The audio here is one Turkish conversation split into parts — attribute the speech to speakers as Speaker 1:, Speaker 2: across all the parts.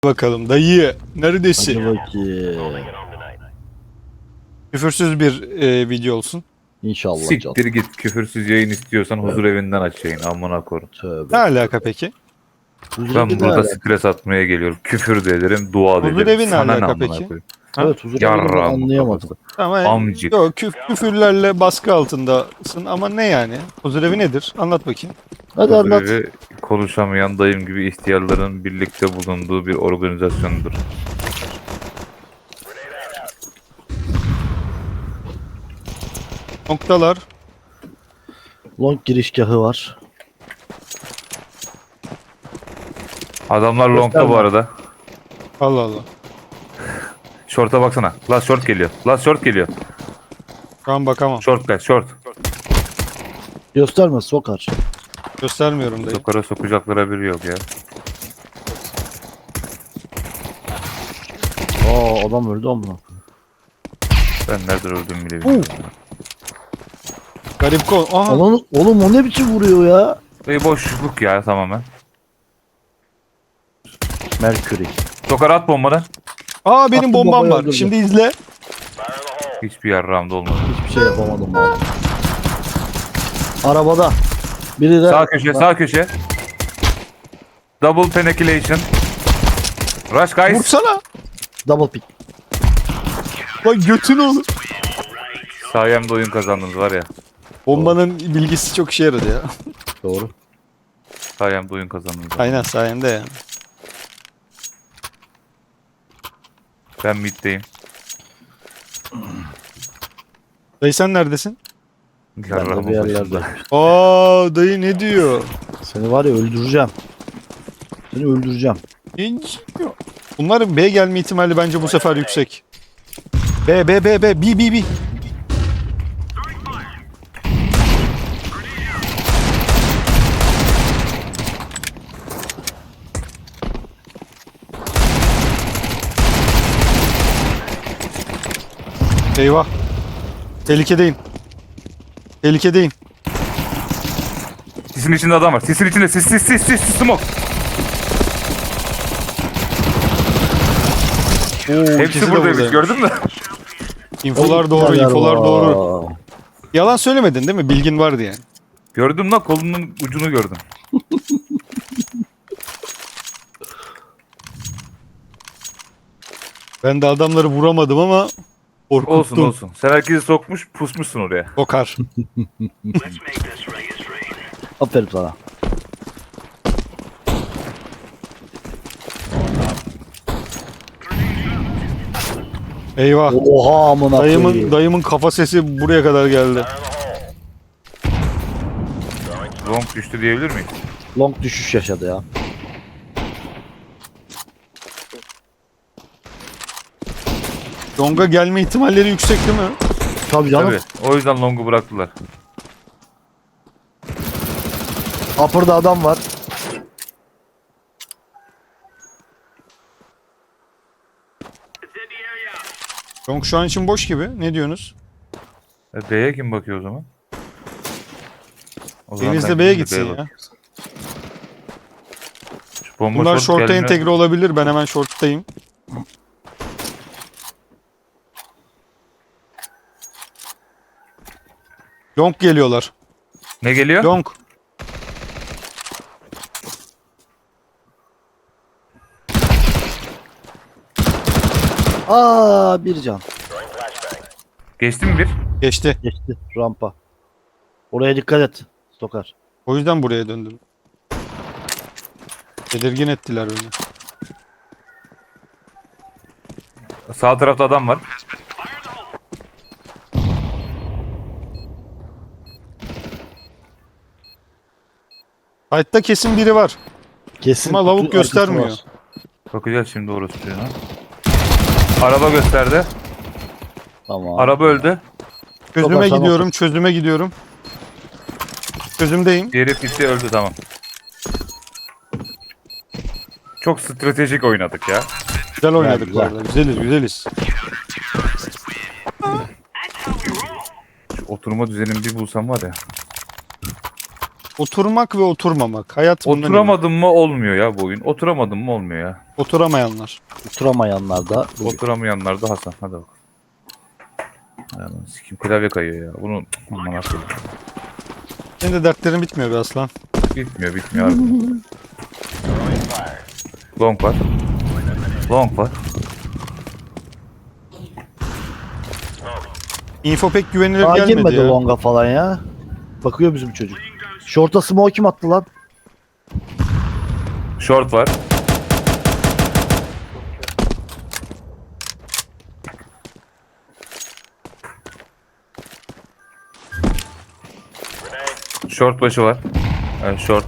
Speaker 1: Bakalım dayı neredesin?
Speaker 2: Hadi bakayım.
Speaker 1: Küfürsüz bir video olsun.
Speaker 2: İnşallah canım.
Speaker 3: Siktir git, küfürsüz yayın istiyorsan huzur evinden aç yayın, amına koyayım.
Speaker 1: Ne
Speaker 2: Tövbe.
Speaker 1: alaka peki?
Speaker 2: Huzur
Speaker 3: Ben
Speaker 2: evi ne
Speaker 3: burada
Speaker 2: alaka?
Speaker 3: stres atmaya geliyorum. Küfür de ederim, dua da
Speaker 1: Huzur
Speaker 3: ederim.
Speaker 1: evi ne
Speaker 3: Sana
Speaker 1: alaka
Speaker 3: amına
Speaker 1: peki?
Speaker 3: koyayım?
Speaker 2: Evet, huzur evini ben
Speaker 3: Yarrağım
Speaker 2: anlayamadım.
Speaker 3: kafası.
Speaker 1: Ama
Speaker 3: Amcık.
Speaker 1: yok küfürlerle baskı altındasın ama ne yani? Huzur evi nedir? Anlat bakayım.
Speaker 2: Hadi
Speaker 3: Huzur
Speaker 2: anlat.
Speaker 3: evi konuşamayan dayım gibi ihtiyarların birlikte bulunduğu bir organizasyonudur.
Speaker 1: Noktalar.
Speaker 2: Long girişgahı var.
Speaker 3: Adamlar longta bu
Speaker 2: Gösterme.
Speaker 3: arada.
Speaker 1: Allah Allah.
Speaker 3: Short'a baksana. Last short geliyor. Last short geliyor.
Speaker 1: Şu an bakamam.
Speaker 3: Short guys, short.
Speaker 2: Gösterme, sokar.
Speaker 1: Göstermiyorum dayı.
Speaker 3: Sokara sokacaklara biri yok ya.
Speaker 2: Aa, adam öldü amına.
Speaker 3: Ben nereden öldüğümü bile bilmiyorum.
Speaker 1: Garip kol. Aha.
Speaker 2: Oğlum o ne biçim vuruyor ya?
Speaker 3: Boşluk ya tamamen.
Speaker 2: Mercury.
Speaker 3: Sokara at bombadan.
Speaker 1: Aa benim
Speaker 2: Attım,
Speaker 1: bombam
Speaker 2: bombayı
Speaker 1: var.
Speaker 2: öldürdüm.
Speaker 1: Şimdi izle.
Speaker 3: Hiçbir yarrağımda olmadı.
Speaker 2: Hiçbir şey yapamadım abi. Arabada. Biri de
Speaker 3: Sağ köşe, sağ köşe. Double penetration. Rush guys.
Speaker 1: Vursana.
Speaker 2: double pick.
Speaker 1: Lan götün olur.
Speaker 3: Sayemde oyun kazandınız var ya.
Speaker 1: Bombanın bilgisi çok işe yaradı ya.
Speaker 2: Doğru.
Speaker 3: Sayemde oyun kazandınız.
Speaker 1: Aynen sayende ya.
Speaker 3: Ben middeyim.
Speaker 1: Dayı sen neredesin?
Speaker 2: Ben de
Speaker 3: Yarrağımın
Speaker 2: bir
Speaker 3: başında.
Speaker 2: yerlerde.
Speaker 1: Aa dayı ne diyor?
Speaker 2: Seni var ya öldüreceğim. Seni öldüreceğim.
Speaker 1: Hiç yok. Bunların B gelme ihtimali bence bu sefer yüksek. B. B. Eyvah. Tehlikedeyim. Tehlikedeyim.
Speaker 3: Sisin içinde adam var. Sisin içinde. Sis, smoke.
Speaker 1: İkisi
Speaker 3: Hepsi
Speaker 1: de
Speaker 3: buradaymış,
Speaker 1: buradaymış.
Speaker 3: gördün mü?
Speaker 1: İnfolar doğru,
Speaker 2: Neler
Speaker 1: infolar
Speaker 2: var?
Speaker 1: doğru. Yalan söylemedin değil mi? Bilgin vardı yani.
Speaker 3: Gördüm lan, kolunun ucunu gördüm.
Speaker 1: Ben de adamları vuramadım ama korkuttum.
Speaker 3: Olsun olsun. Sen herkesi sokmuş, pusmuşsun oraya.
Speaker 1: Kokar.
Speaker 2: Aferin sana.
Speaker 1: Eyvah.
Speaker 2: Oha amına koyayım.
Speaker 1: Dayımın kafa sesi buraya kadar geldi.
Speaker 3: Long düştü diyebilir miyiz?
Speaker 2: Long düşüş yaşadı ya.
Speaker 1: Long'a gelme ihtimalleri yüksek değil mi?
Speaker 2: Tabii canım.
Speaker 3: Tabii. O yüzden long'u bıraktılar.
Speaker 2: Upper'da adam var.
Speaker 1: Long şu an için boş gibi. Ne diyorsunuz?
Speaker 3: B'ye kim bakıyor o zaman? O zaman
Speaker 1: Deniz
Speaker 3: sen
Speaker 1: de B'ye
Speaker 3: gidin de
Speaker 1: gitsin
Speaker 3: bak.
Speaker 1: ya.
Speaker 3: Şu bomba
Speaker 1: Bunlar
Speaker 3: short
Speaker 1: short'a
Speaker 3: geldiğinde-
Speaker 1: entegre olabilir. Ben hemen short'tayım. Long geliyorlar.
Speaker 3: Ne geliyor?
Speaker 1: Long.
Speaker 2: Aa, bir can.
Speaker 3: Geçti mi bir?
Speaker 1: Geçti.
Speaker 2: Geçti rampa. Oraya dikkat et. Sokar.
Speaker 1: O yüzden buraya döndüm. Tedirgin ettiler beni.
Speaker 3: Sağ tarafta adam var.
Speaker 1: Sight'ta kesin biri var.
Speaker 2: Kesin.
Speaker 1: Ama lavuk
Speaker 2: kutu arkası
Speaker 1: göstermiyor.
Speaker 2: var.
Speaker 3: Bakacağız şimdi orası çocuğuna. Araba gösterdi.
Speaker 2: Tamam.
Speaker 3: Araba öldü.
Speaker 1: Çözüme
Speaker 2: Sokar, tamam.
Speaker 1: gidiyorum, çözüme gidiyorum. Çözümdeyim.
Speaker 3: Diğeri pitti, öldü, tamam. Çok stratejik oynadık ya.
Speaker 1: Güzel oynadık
Speaker 2: Güzel,
Speaker 1: bu arada. Güzeliz.
Speaker 3: Şu oturma düzenini bir bulsam var ya.
Speaker 1: Oturmak ve oturmamak. Hayat bundan ibaret.
Speaker 3: Oturamadın mı olmuyor ya bu oyun. Oturamadın mı olmuyor ya.
Speaker 1: Oturamayanlar.
Speaker 2: Oturamayanlar da
Speaker 3: Oturamayanlar da Hasan. Hadi bak. Yani sikim klavye kayıyor ya. Bunu aman akıllı.
Speaker 1: Senin de dertlerin bitmiyor be aslan.
Speaker 3: Bitmiyor abi. Long var. Long var.
Speaker 1: Info pek güvenilir
Speaker 2: daha
Speaker 1: gelmedi
Speaker 2: girmedi
Speaker 1: ya.
Speaker 2: longa falan ya. Bakıyor bizim çocuk. Short'a smoke kim attı lan?
Speaker 3: Short var. Short başı var. Evet, short.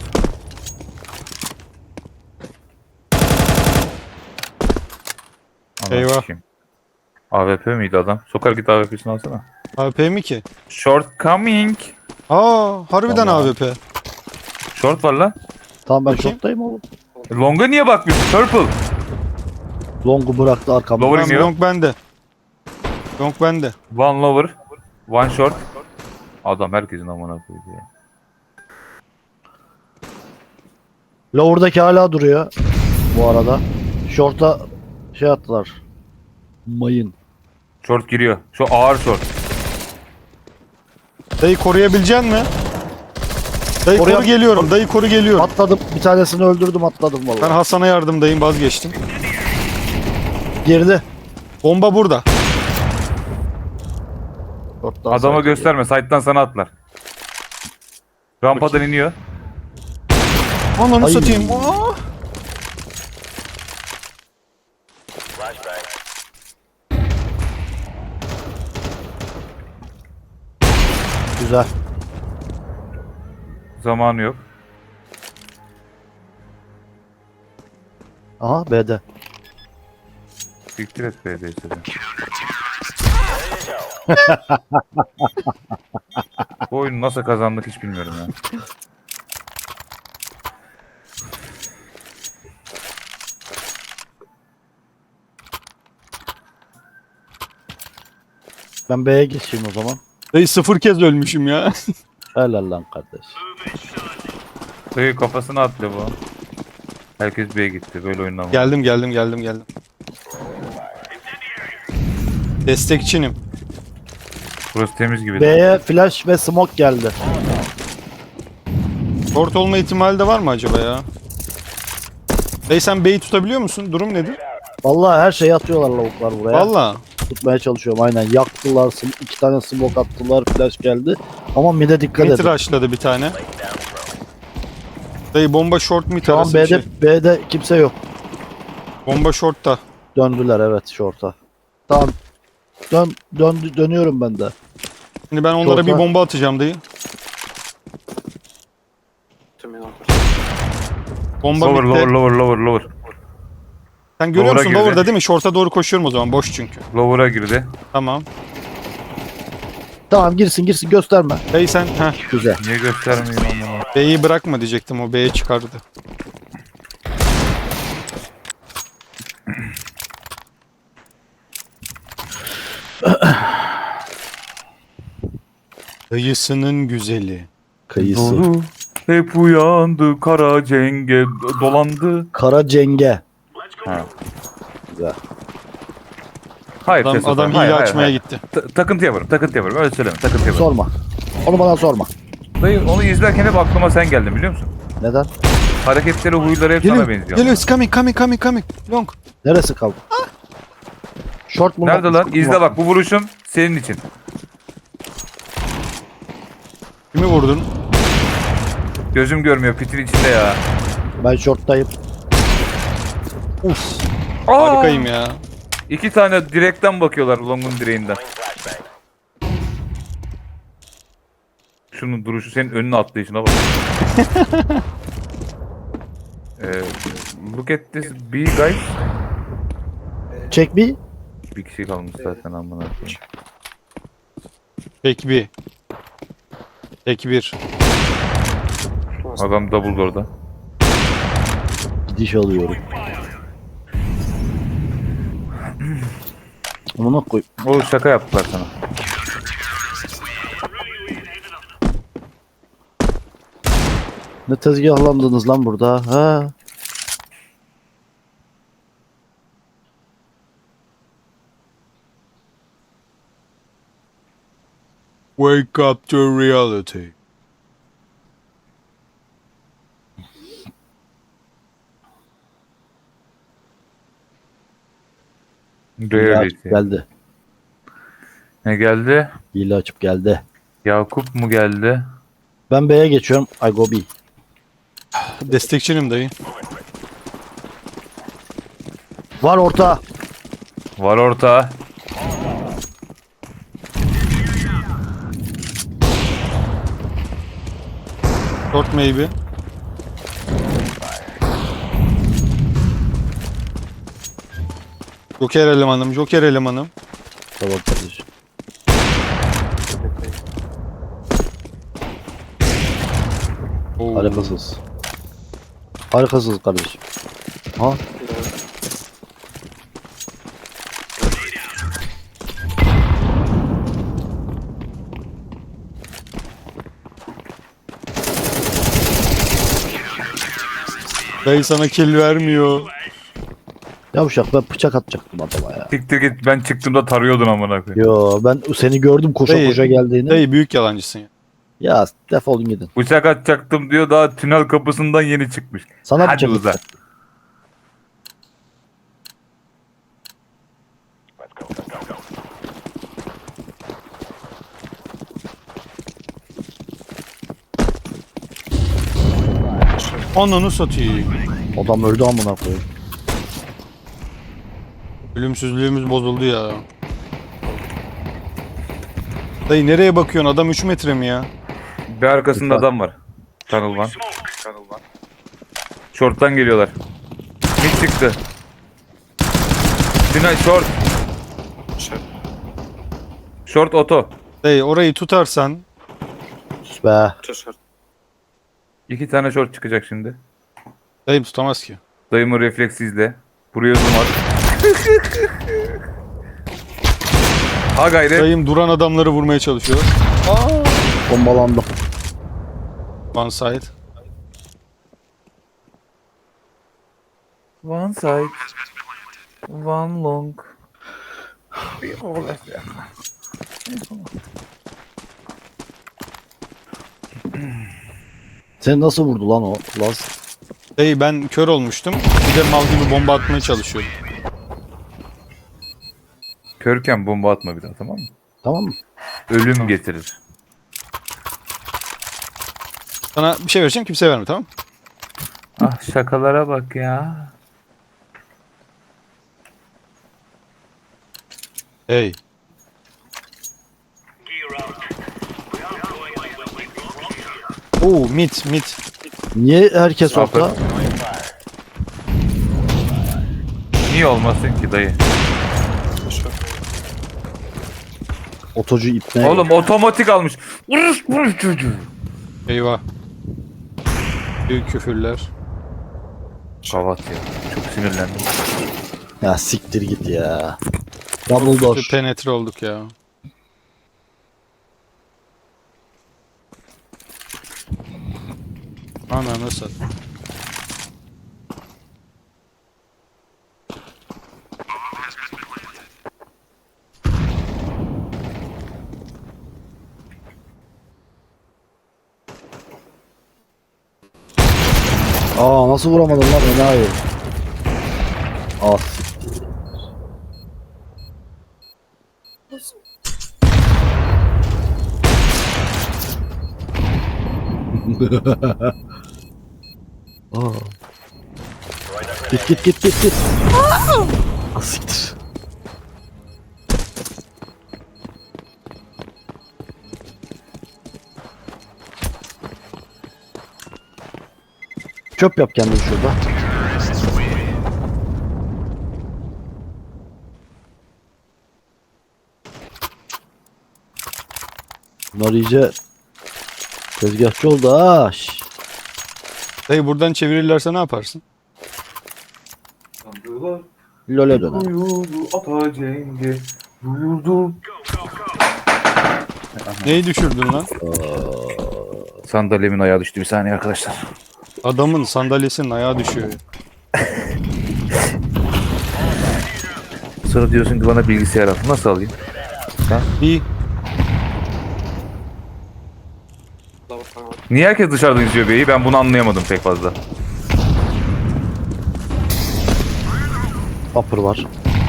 Speaker 3: Anam
Speaker 1: Eyvah.
Speaker 3: sikeyim. AWP miydi adam? Sokar git AWP'sini alsana.
Speaker 1: AWP mi ki?
Speaker 3: Short coming.
Speaker 1: Harbiden
Speaker 2: Vallahi.
Speaker 1: AWP.
Speaker 3: Short var lan.
Speaker 2: Tamam ben
Speaker 1: Bakayım.
Speaker 2: short'tayım oğlum.
Speaker 3: Long'a niye bakmıyorsun? Purple.
Speaker 2: Long'u bıraktı arkamda.
Speaker 3: Lower
Speaker 1: Tamam,
Speaker 3: iniyor.
Speaker 1: long bende. Long bende.
Speaker 3: One lower. One short. Adam herkesin amına koydu ya.
Speaker 2: Lower'daki hala duruyor. Bu arada. Short'a şey attılar. Mayın.
Speaker 3: Short giriyor. Şu ağır short.
Speaker 1: Dayı koruyabilecek mi? Dayı
Speaker 2: Koruya-
Speaker 1: koru geliyorum. Dayı koru geliyorum.
Speaker 2: Atladım. Bir tanesini öldürdüm atladım
Speaker 1: Ben
Speaker 2: vallahi.
Speaker 1: Hasan'a yardımdayım, vazgeçtim.
Speaker 2: Girdi.
Speaker 1: Bomba burada.
Speaker 2: Short'tan
Speaker 3: Adama
Speaker 2: sağ-
Speaker 3: gösterme. Side'dan sana atlar. Rampadan iniyor.
Speaker 1: Ananı
Speaker 2: Ay.
Speaker 1: satayım. Aa!
Speaker 2: Güzel.
Speaker 3: Zamanı yok.
Speaker 2: Aha B'de.
Speaker 3: Siktir et BD'yi de. Bu oyunu nasıl kazandık hiç bilmiyorum ya.
Speaker 2: Ben B'ye geçeyim o zaman.
Speaker 1: Dayı 0 kez ölmüşüm ya.
Speaker 2: Helal lan kardeş.
Speaker 3: Dayı kafasına attı bu. Herkes B'ye gitti. Böyle oyundan.
Speaker 1: Geldim. Destekçinim.
Speaker 3: Burası temiz gibi.
Speaker 2: B'ye flash ve smoke geldi.
Speaker 1: Short olma ihtimali de var mı acaba ya? Dayı sen B'yi tutabiliyor musun? Durum nedir?
Speaker 2: Vallahi her şeyi atıyorlar lavuklar buraya.
Speaker 1: Valla.
Speaker 2: Tutmaya çalışıyorum aynen. Yaktılar. İki tane smoke attılar. Flash geldi. Ama mid'e dikkat
Speaker 1: Mid
Speaker 2: edin.
Speaker 1: rushladı bir tane. Dayı bomba short mid
Speaker 2: Şu an
Speaker 1: arası bir
Speaker 2: B'de,
Speaker 1: şey.
Speaker 2: B'de kimse yok.
Speaker 1: Bomba short'ta.
Speaker 2: Döndüler evet short'a. Tamam. Dönüyorum ben de.
Speaker 1: Şimdi ben onlara
Speaker 2: Short'a-
Speaker 1: bir bomba atacağım dayı. Bomba
Speaker 3: Lower,
Speaker 1: bitti.
Speaker 3: lower.
Speaker 1: Sen görüyor
Speaker 3: Lower'a
Speaker 1: musun?
Speaker 3: girdi.
Speaker 1: Lower'da değil mi? Short'a doğru koşuyorum o zaman. Boş çünkü.
Speaker 3: Lower'a girdi.
Speaker 1: Tamam.
Speaker 2: Tamam girsin gösterme.
Speaker 1: Dayı sen heh,
Speaker 2: Güzel.
Speaker 3: Niye göstermeyeyim ama?
Speaker 1: B'yi bırakma diyecektim. O B'ye çıkardı. Dayısının güzeli.
Speaker 2: Kayısı.
Speaker 3: Doğru. Hep uyandı, kara cenge dolandı.
Speaker 2: Kara cenge.
Speaker 3: Ha.
Speaker 2: Güzel.
Speaker 3: Hayır,
Speaker 1: Adam,
Speaker 3: Testo,
Speaker 1: adam hile
Speaker 3: hayır,
Speaker 1: açmaya
Speaker 3: hayır.
Speaker 1: gitti.
Speaker 3: Takıntı yaparım. Öyle söyleme. Takıntı yaparım.
Speaker 2: Sorma. Onu bana sorma.
Speaker 3: Dayı onu izlerken hep aklıma sen geldin biliyor musun?
Speaker 2: Neden?
Speaker 3: Hareketleri, huyları hep sana
Speaker 1: Geliyor.
Speaker 3: benziyor.
Speaker 1: Geliyor. It's coming. Long.
Speaker 2: Neresi kaldı? Short mu?
Speaker 3: Nerede lan?
Speaker 2: Smoke mu?
Speaker 3: İzle bak, bu vuruşum senin için.
Speaker 1: Kimi vurdun?
Speaker 3: Gözüm görmüyor, pitin içinde ya.
Speaker 2: Ben short'tayım.
Speaker 1: Uf.
Speaker 3: Aa!
Speaker 1: Harikayım ya.
Speaker 3: İki tane direkten bakıyorlar Long'un direğinden. Şunun duruşu, senin önüne atlayışına bak. Look at this B guys.
Speaker 2: Check me.
Speaker 3: Bir kişi kalmış zaten amına koyayım.
Speaker 1: Tek bir. Tek bir.
Speaker 3: Adam double door'da.
Speaker 2: Gidiş alıyorum. Onu koy.
Speaker 3: O şaka yaptılar sana.
Speaker 2: Ne tezgahlandınız lan burada? Ha?
Speaker 1: Wake up to reality.
Speaker 2: Hile açıp
Speaker 3: Reality.
Speaker 2: geldi.
Speaker 3: Ne geldi?
Speaker 2: Hile açıp geldi.
Speaker 3: Yakup mu geldi?
Speaker 2: Ben B'ye geçiyorum. I go B.
Speaker 1: Destekçinim dayı.
Speaker 2: Var orta.
Speaker 3: Var orta.
Speaker 1: Short maybe. Joker elemanım, Joker elemanım.
Speaker 2: Tamam kardeşim.
Speaker 1: Oo.
Speaker 2: Harikasınız. Harikasınız kardeşim. Ha?
Speaker 1: Dayı sana kill vermiyor.
Speaker 2: Yavşak ben bıçak atacaktım adama ya.
Speaker 3: Siktir git, ben çıktığımda tarıyordun amına koyayım.
Speaker 2: Yo ben seni gördüm koşa
Speaker 1: Dayı,
Speaker 2: koşa geldiğini.
Speaker 1: Dayı büyük yalancısın ya.
Speaker 2: Ya defolun gidin.
Speaker 3: Bıçak atacaktım diyor, daha tünel kapısından yeni çıkmış.
Speaker 2: Sana
Speaker 3: Hadi
Speaker 2: bıçak
Speaker 3: uza.
Speaker 2: atacaktım.
Speaker 1: Ananı satayım.
Speaker 2: Adam öldü amına koyayım.
Speaker 1: Ölümsüzlüğümüz bozuldu ya. Dayı nereye bakıyorsun? Adam 3 metre mi ya?
Speaker 3: Bir arkasında
Speaker 2: Lütfen.
Speaker 3: adam var. Tanılman. Short'tan geliyorlar. Mid çıktı. Tünel short. Short oto.
Speaker 1: Dayı orayı tutarsan
Speaker 2: Sus be.
Speaker 3: İki tane short çıkacak şimdi.
Speaker 1: dayım tutamaz ki.
Speaker 3: Dayımın refleksi izle. Buraya zoom at. Ha gayret.
Speaker 1: Dayım duran adamları vurmaya çalışıyor.
Speaker 2: Bombalandım.
Speaker 1: One side.
Speaker 3: One side. One long.
Speaker 2: Seni nasıl vurdu lan o? Las.
Speaker 1: Dayı ben kör olmuştum. Bir de mal gibi bomba atmaya çalışıyordum.
Speaker 3: Körken bomba atma bir daha, tamam mı?
Speaker 2: Tamam mı?
Speaker 3: Ölüm getirir.
Speaker 1: Sana bir şey vereceğim, kimse verme, tamam mı?
Speaker 3: Ah şakalara bak ya.
Speaker 1: Hey. Oo, mid mid.
Speaker 2: Niye herkes
Speaker 3: Aferin.
Speaker 2: orta?
Speaker 3: Niye olmasın ki dayı?
Speaker 2: Otocu ipne.
Speaker 3: Oğlum otomatik almış. Vuruş çocuğu.
Speaker 1: Eyvah. Büyük küfürler.
Speaker 3: Kavat ya. Çok sinirlendim.
Speaker 2: Ya siktir git ya. Double door.
Speaker 1: Penetre olduk ya. Ana nasıl?
Speaker 2: Aa nasıl vuramadın lan enayi? Ah siktir. Aa. Git. Ah siktir. Çöp yap kendini şurada. Bunlar iyice tezgahçı oldu ha. Şş.
Speaker 1: Dayı buradan çevirirlerse ne yaparsın?
Speaker 2: LoL'e döner.
Speaker 3: Duyuldu ata cengi. Duyuldu.
Speaker 1: Neyi düşürdün lan?
Speaker 2: Aa.
Speaker 3: Sandalyemin ayağı düştü, bir saniye arkadaşlar.
Speaker 1: Adamın sandalyesinin ayağı düşüyor.
Speaker 3: Sonra diyorsun ki bana bilgisayar al. Nasıl alayım?
Speaker 1: Bir
Speaker 3: Niye herkes dışarıdan izliyor beyi? Ben bunu anlayamadım pek fazla.
Speaker 2: Upper var.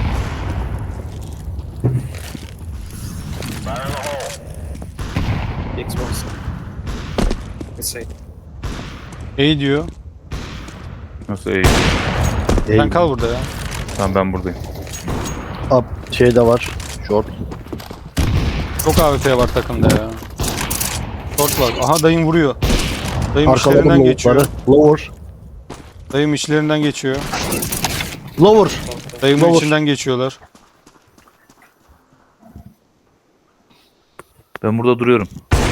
Speaker 4: Xbox. Şey.
Speaker 1: şey diyor.
Speaker 3: Nasıl iyi?
Speaker 1: Sen kal burada ya.
Speaker 3: Tamam, ben buradayım.
Speaker 2: Up şey de var. Short.
Speaker 1: Çok AWP var takımda ya. Short var. Aha dayım vuruyor. Dayım
Speaker 2: Arkaladım
Speaker 1: işlerinden geçiyor.
Speaker 2: lower'ları. Lower.
Speaker 1: Dayım işlerinden geçiyor.
Speaker 2: Lower.
Speaker 1: Dayımın
Speaker 2: Lower.
Speaker 1: içinden geçiyorlar.
Speaker 3: Ben burada duruyorum.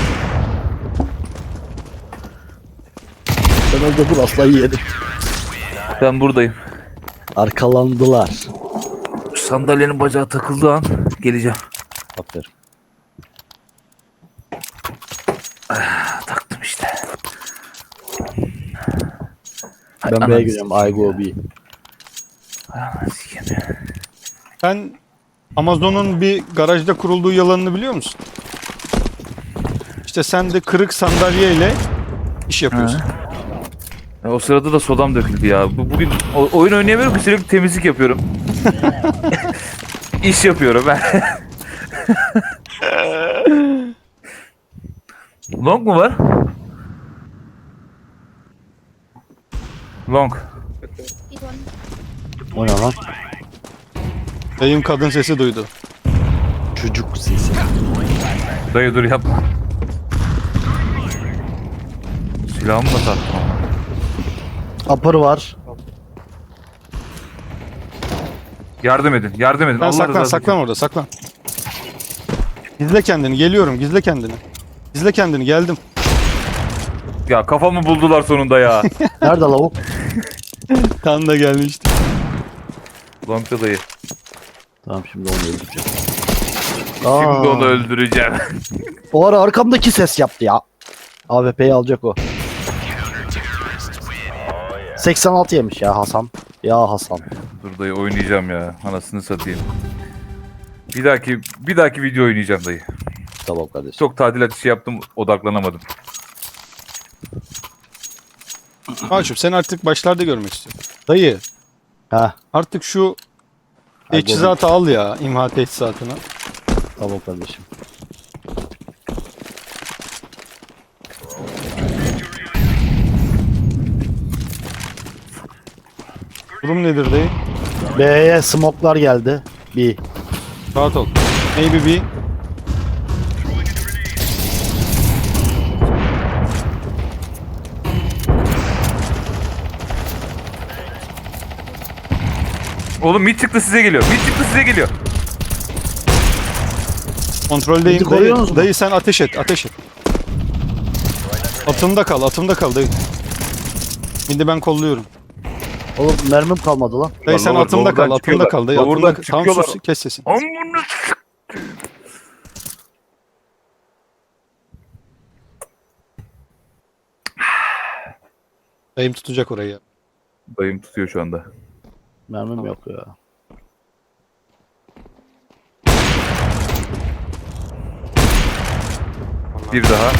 Speaker 2: Sen orada dur, asla yiyelim.
Speaker 3: Ben buradayım.
Speaker 2: Arkalandılar.
Speaker 3: Şu sandalyenin bacağı takıldığı an geleceğim.
Speaker 2: Aferin.
Speaker 3: Taktım işte.
Speaker 2: Ben
Speaker 3: Ananı
Speaker 2: B'ye gidiyorum. I go B.
Speaker 3: Ananı sikeyim.
Speaker 1: Sen Amazon'un bir garajda kurulduğu yalanını biliyor musun? İşte sen de kırık sandalyeyle iş yapıyorsun.
Speaker 3: Ya o sırada da sodam döküldü ya. Bugün oyun oynayamıyorum ki, sürekli temizlik yapıyorum. İş yapıyorum ben. Long mu var? Long.
Speaker 2: O ne lan?
Speaker 1: Dayım kadın sesi duydu.
Speaker 2: Çocuk sesi.
Speaker 3: Dayı dur yapma. Silahımı da taktım.
Speaker 2: Upper var.
Speaker 3: Yardım edin, yardım edin.
Speaker 1: Sen
Speaker 3: Allah
Speaker 1: saklan,
Speaker 3: rızası
Speaker 1: saklan orada, saklan. Gizle kendini, geliyorum, gizle kendini. Gizle kendini, geldim.
Speaker 3: için. Ya kafamı buldular sonunda ya.
Speaker 2: Nerede lavuk?
Speaker 1: Tam da gelmişti.
Speaker 3: Long'da dayı.
Speaker 2: Tamam, şimdi onu öldüreceğim.
Speaker 3: Şimdi onu öldüreceğim.
Speaker 2: O ara arkamdaki ses yaptı ya. AWP'yi alacak o. 86 yemiş ya Hasan. Ya Hasan.
Speaker 3: Dur dayı, oynayacağım ya. Anasını satayım. Bir dahaki video oynayacağım dayı.
Speaker 2: Tamam kardeşim.
Speaker 3: Çok tadilat işi yaptım, odaklanamadım.
Speaker 1: Maçum sen artık başlarda görmek istiyorum. Dayı
Speaker 2: Ha,
Speaker 1: artık şu
Speaker 2: Ay,
Speaker 1: teçhizatı al ya, imha teçhizatını.
Speaker 2: tamam kardeşim.
Speaker 1: Durum nedir dayı?
Speaker 2: B'ye smoke'lar geldi. B.
Speaker 1: Rahat ol. Maybe bir.
Speaker 3: Oğlum mid çıktı, size geliyor. Mid çıktı, size geliyor.
Speaker 1: Kontroldeyim
Speaker 2: Bizi koruyorsunuz
Speaker 1: dayı.
Speaker 2: mu?
Speaker 1: Dayı sen ateş et, ateş et. Atımda kal, atımda kal dayı. Şimdi ben kolluyorum.
Speaker 2: Oğlum mermim kalmadı lan.
Speaker 1: Dayı sen
Speaker 3: Lower-
Speaker 1: atımda kal,
Speaker 3: lower'dan
Speaker 1: atımda kal dayı.
Speaker 3: çıkıyorlar.
Speaker 1: Atımda kal. Tamam
Speaker 3: çıkıyorlar.
Speaker 1: sus, kes sesini.
Speaker 3: Amına
Speaker 1: Dayım tutacak orayı ya.
Speaker 3: Dayım tutuyor şu anda.
Speaker 2: Mermim yok ya.
Speaker 3: Bir daha.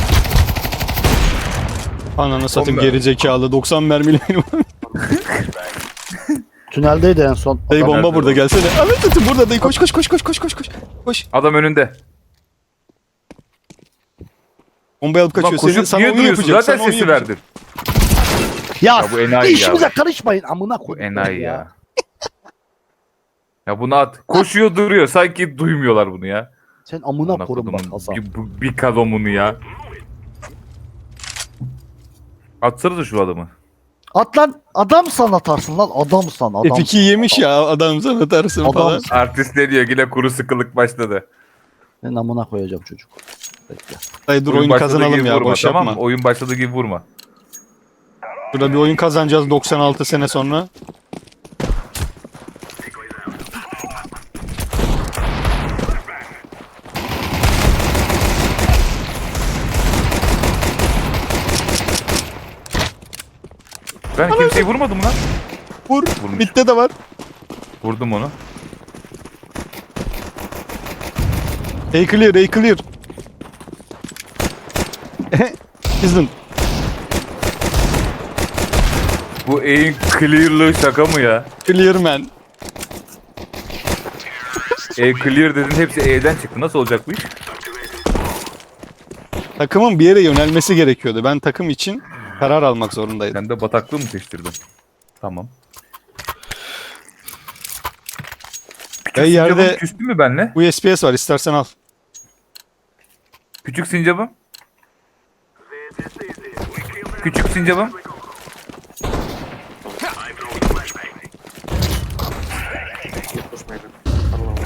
Speaker 1: Ananı satayım,
Speaker 3: mermi.
Speaker 1: geri zekalı 90 mermili benim.
Speaker 2: Tüneldeydi en son.
Speaker 1: Dayı
Speaker 2: Adam-
Speaker 1: bomba
Speaker 3: nerede
Speaker 1: burada,
Speaker 3: o?
Speaker 1: gelsene. Ananı satayım burada dayı, koş koş koş koş koş koş koş. Koş.
Speaker 3: Adam önünde.
Speaker 1: Bombayı alıp
Speaker 3: Ulan
Speaker 1: kaçıyor.
Speaker 3: koşup
Speaker 1: Sana
Speaker 3: niye
Speaker 1: onu
Speaker 3: duruyorsun?
Speaker 1: yapacak.
Speaker 3: Zaten
Speaker 1: Sana onu
Speaker 3: sesi
Speaker 1: yapacak.
Speaker 3: verdin.
Speaker 2: Ya,
Speaker 3: Ya bu enayi
Speaker 2: işimize
Speaker 3: ya.
Speaker 2: karışmayın amına
Speaker 3: Bu
Speaker 2: koyayım
Speaker 3: enayi ya. Ya bunu at. Koşuyor duruyor. Sanki duymuyorlar bunu ya.
Speaker 2: Sen amına
Speaker 3: Amına
Speaker 2: korun bak
Speaker 3: kodumun
Speaker 2: Hasan.
Speaker 3: bir kadomunu ya. Atsana da şu adamı.
Speaker 2: At lan, adamsan atarsın lan, adamsan adam.
Speaker 1: F2 yemiş ya adam, sana atarsın
Speaker 2: Adam.
Speaker 1: falan.
Speaker 3: Artist ne diyor? Yine kuru sıkılık başladı.
Speaker 2: Ben amına koyacağım çocuk. Bekle.
Speaker 1: Dayı dur,
Speaker 3: Oyun
Speaker 1: oyunu
Speaker 3: başladığı
Speaker 1: kazanalım
Speaker 3: gibi
Speaker 1: ya,
Speaker 3: vurma,
Speaker 1: boş
Speaker 3: tamam
Speaker 1: yapma.
Speaker 3: mı? Oyun başladığı gibi vurma.
Speaker 1: Burada bir oyun kazanacağız 96 sene sonra.
Speaker 3: Ben kimseyi vurmadım lan.
Speaker 1: Vur.
Speaker 3: Vurmuş.
Speaker 1: Mid'de de var.
Speaker 3: Vurdum onu.
Speaker 1: A clear, A clear. Kızın.
Speaker 3: Bu aim clear'lığı şaka mı ya?
Speaker 1: Clear man.
Speaker 3: Clear dedin hepsi E'den çıktı. Nasıl olacak bu iş?
Speaker 1: Takımın bir yere yönelmesi gerekiyordu. Ben takım için karar almak zorundaydım.
Speaker 3: Sen de bataklığı mı seçtirdin? Tamam. Küçük
Speaker 1: Ve
Speaker 3: sincapım
Speaker 1: yerde
Speaker 3: küstü mü benle?
Speaker 1: USPS var, istersen al.
Speaker 3: Küçük sincapım. Küçük sincapım.
Speaker 4: Push maybe. Alone.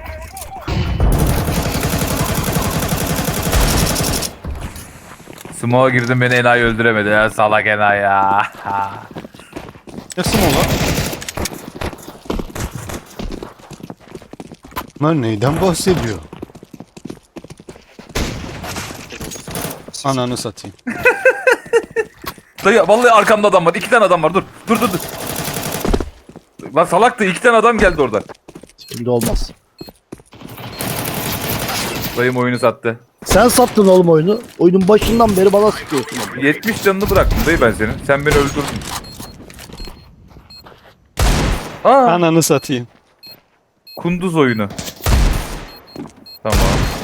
Speaker 3: Smoke'a girdim beni enayi öldüremedi ya salak enayi ya.
Speaker 1: Nasıl mı ola? Bunlar neyden bahsediyor? Ananı satayım.
Speaker 3: Dayı vallahi arkamda adam var. 2 tane adam var. Dur. Dur dur dur. Lan salaktı. 2 tane adam geldi oradan.
Speaker 2: Şimdi olmaz.
Speaker 3: Dayım oyunu sattı.
Speaker 2: Sen sattın oğlum oyunu. Oyunun başından beri bana sıkıyorsun.
Speaker 3: 70 canını bıraktım dayı ben senin. Sen beni öldürdün. Aa,
Speaker 1: Ananı satayım.
Speaker 3: kunduz oyunu. Tamam.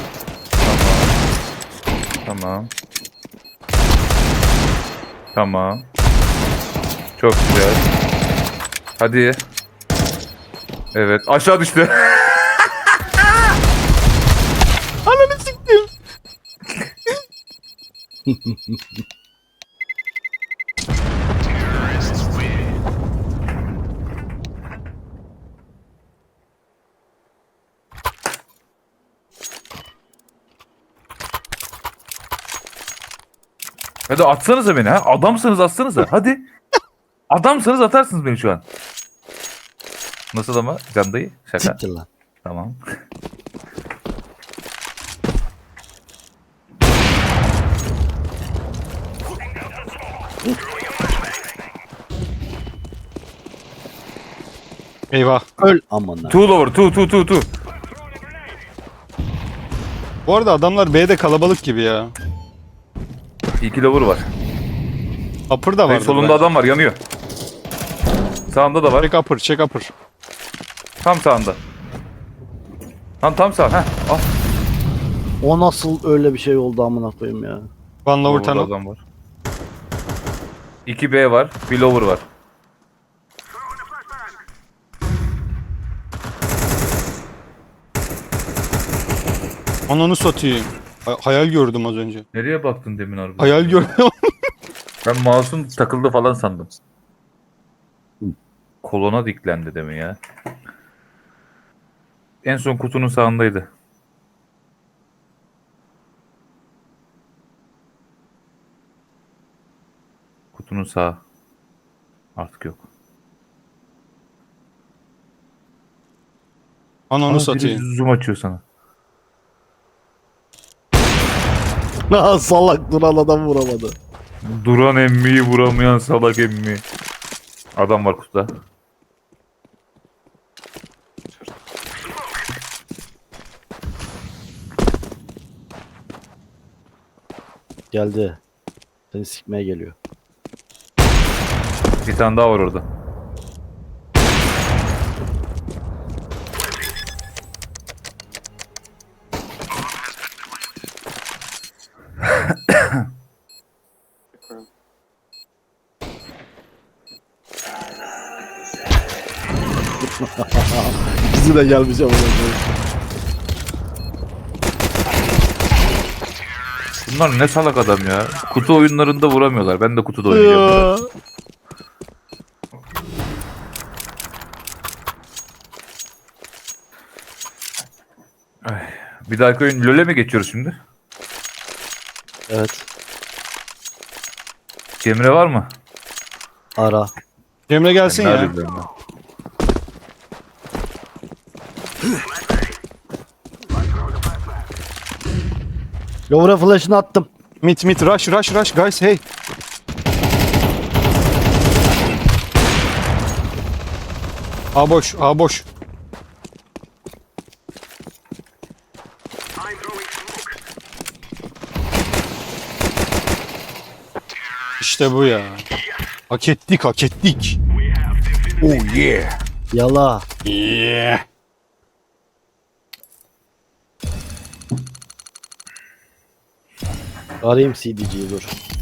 Speaker 3: Tamam. Tamam. Tamam. Çok güzel. Hadi. Evet. Aşağı düştü.
Speaker 1: Ananı siktim.
Speaker 3: Hadi atsanıza beni ha. Adamsınız atsanıza. Hadi. Adamsınız atarsınız beni şu an. Nasıl ama Can dayı? Şaka.
Speaker 2: Siktir lan.
Speaker 3: Tamam.
Speaker 1: Eyvah.
Speaker 2: Öl amına.
Speaker 3: Two lower. Two.
Speaker 1: Bu arada adamlar B'de kalabalık gibi ya.
Speaker 3: 2 lower var.
Speaker 1: Upper da
Speaker 3: Dayı
Speaker 1: var.
Speaker 3: solunda adam var yanıyor. Sağında da var.
Speaker 1: Check upper, check upper.
Speaker 3: Tam sağında. Tam sağ. Heh. Al.
Speaker 2: O nasıl öyle bir şey oldu amına koyayım ya.
Speaker 1: One lower
Speaker 3: Lower'da
Speaker 1: tunnel.
Speaker 3: adam var. 2 B var. Bir lower var.
Speaker 1: Ananı satayım. Hayal gördüm az önce.
Speaker 3: Nereye baktın demin harbi?
Speaker 1: Hayal gördüm.
Speaker 3: Ben mouse'um takıldı falan sandım. Kolona diklendi demin ya. En son kutunun sağındaydı. Kutunun sağı. Artık yok.
Speaker 1: Ananı
Speaker 3: Biri
Speaker 1: satayım.
Speaker 3: zoom açıyor sana.
Speaker 2: Ha salak duran adam vuramadı.
Speaker 3: Duran emmiyi vuramayan salak emmi. Adam var kutuda.
Speaker 2: Geldi. Seni sikmeye geliyor.
Speaker 3: Bir tane daha var orada.
Speaker 2: İkisi de gelmiş amına koyayım.
Speaker 3: Bunlar ne salak adam ya. Kutu oyunlarında vuramıyorlar. Ben de kutuda oynayacağım. burada. Bir dahaki oyun LoL'e mi geçiyoruz şimdi?
Speaker 2: Evet.
Speaker 3: Cemre var mı?
Speaker 2: Ara.
Speaker 1: Cemre gelsin
Speaker 3: Ne
Speaker 1: ya.
Speaker 3: arıyorum ben?
Speaker 2: Lower'a flash'ını attım.
Speaker 1: Mid rush guys hey. A boş, A boş. İşte bu ya. Hak ettik, hak ettik. Oh yeah.
Speaker 2: Yala.
Speaker 1: Yeah.
Speaker 2: Arayayım CD'ciyi dur.